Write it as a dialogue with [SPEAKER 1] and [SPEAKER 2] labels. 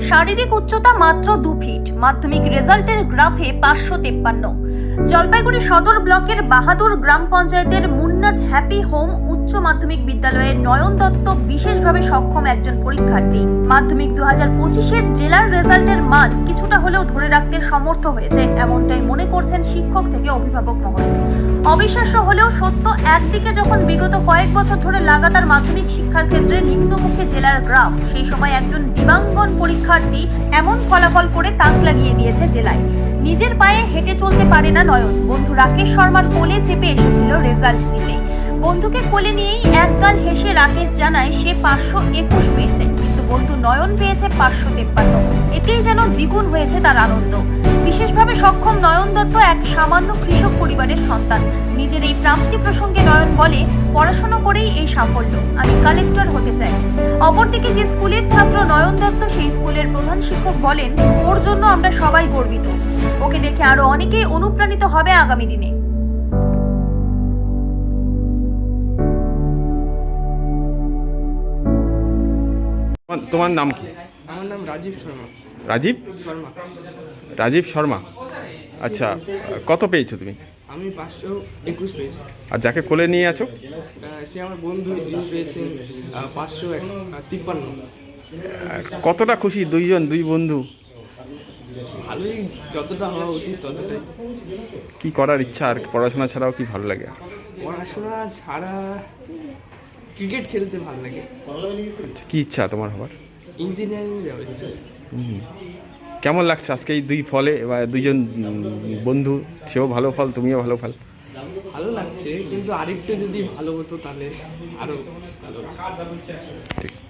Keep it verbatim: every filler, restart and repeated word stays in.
[SPEAKER 1] শারীরিক উচ্চতা মাত্র দু ফিট, মাধ্যমিক রেজাল্টের গ্রাফে পাঁচশো তেপ্পান্ন। জলপাইগুড়ি সদর ব্লকের বাহাদুর গ্রাম পঞ্চায়েতের মুন্নাজ হ্যাপি হোম উচ্চ মাধ্যমিক বিদ্যালয়ের নয়ন দত্ত বিশেষভাবে সক্ষম একজন পরীক্ষার্থী। মাধ্যমিক দু হাজার পঁচিশের জেলার রেজাল্টের মান কিছুটা হলেও ধরে রাখতে সমর্থ হয়েছে, এমনটাই মনে করছেন শিক্ষক থেকে অভিভাবক মহল। অবিশ্বাস্য হলেও সত্য, একদিকে যখন বিগত কয়েক বছর ধরে লাগাতার মাধ্যমিক শিক্ষার ক্ষেত্রে নিম্নমুখী জেলার গ্রাফ, সেই সময় একজন দিবাঙ্গন পরীক্ষার্থী এমন ফলাফল করে তাক লাগিয়ে দিয়েছে জেলায়। নিজের পায়ে হেঁটে চলতে পারে না নয়ন। বন্ধু রাকেশ শর্মার কোলে চেপে এসেছিল রেজাল্ট নিতে। বন্ধুকে কোলে নিয়েই একগাল হেসে রাকেশ জানায় সে পাঁচশো একুশ পেয়েছে, কিন্তু বন্ধু নয়ন পেয়েছে পাঁচশো তেপ্পান্ন। এতেই যেন দ্বিগুণ হয়েছে তার আনন্দ। বিশেষভাবে সক্ষম নয়ন দত্ত এক সামান্য কৃষক পরিবারের সন্তান। নিজের এই প্রাপ্তি প্রসঙ্গে নয়ন বলে, পড়াশোনা করেই এই সাফল্য, আমি কালেক্টর হতে চাই। অপরদিকে যে স্কুলের ছাত্র নয়ন দত্ত, সেই স্কুলের প্রধান শিক্ষক বলেন, ওর জন্য আমরা সবাই গর্বিত। ওকে দেখে আরো অনেকেই অনুপ্রাণিত হবে আগামী দিনে।
[SPEAKER 2] তোমার নাম কি?
[SPEAKER 3] আমার নাম রাজীব শর্মা।
[SPEAKER 2] রাজীব
[SPEAKER 3] শর্মা
[SPEAKER 2] রাজীব শর্মা। আচ্ছা, কত পেয়েছো তুমি?
[SPEAKER 3] আমি পাঁচশো একুশ পেয়েছি।
[SPEAKER 2] আর যাকে কোলে নিয়ে আছো?
[SPEAKER 3] আহ, সে আমার বন্ধু, যিনি পেয়েছেন আহ, পাঁচশো এক তিপ্পান্ন।
[SPEAKER 2] কতটা খুশি দুইজন, দুই বন্ধু?
[SPEAKER 3] ভালোই, যতটা হওয়া উচিত ততটাই।
[SPEAKER 2] কি করার ইচ্ছা আর পড়াশোনা ছাড়াও কি ভালো লাগে?
[SPEAKER 3] পড়াশোনা ছাড়া ক্রিকেট খেলতে ভালো লাগে।
[SPEAKER 2] আচ্ছা, কি ইচ্ছা তোমার হবার?
[SPEAKER 3] ইঞ্জিনিয়ারিং যাবে।
[SPEAKER 2] হুম। কেমন লাগছে আজকে এই দুই ফলে, বা দুইজন বন্ধু, সেও ভালো ফল, তুমিও ভালো ফল?
[SPEAKER 3] ভালো লাগছে, কিন্তু আরেকটু যদি ভালো হতো তাহলে আরো ভালো।
[SPEAKER 2] ঠিক।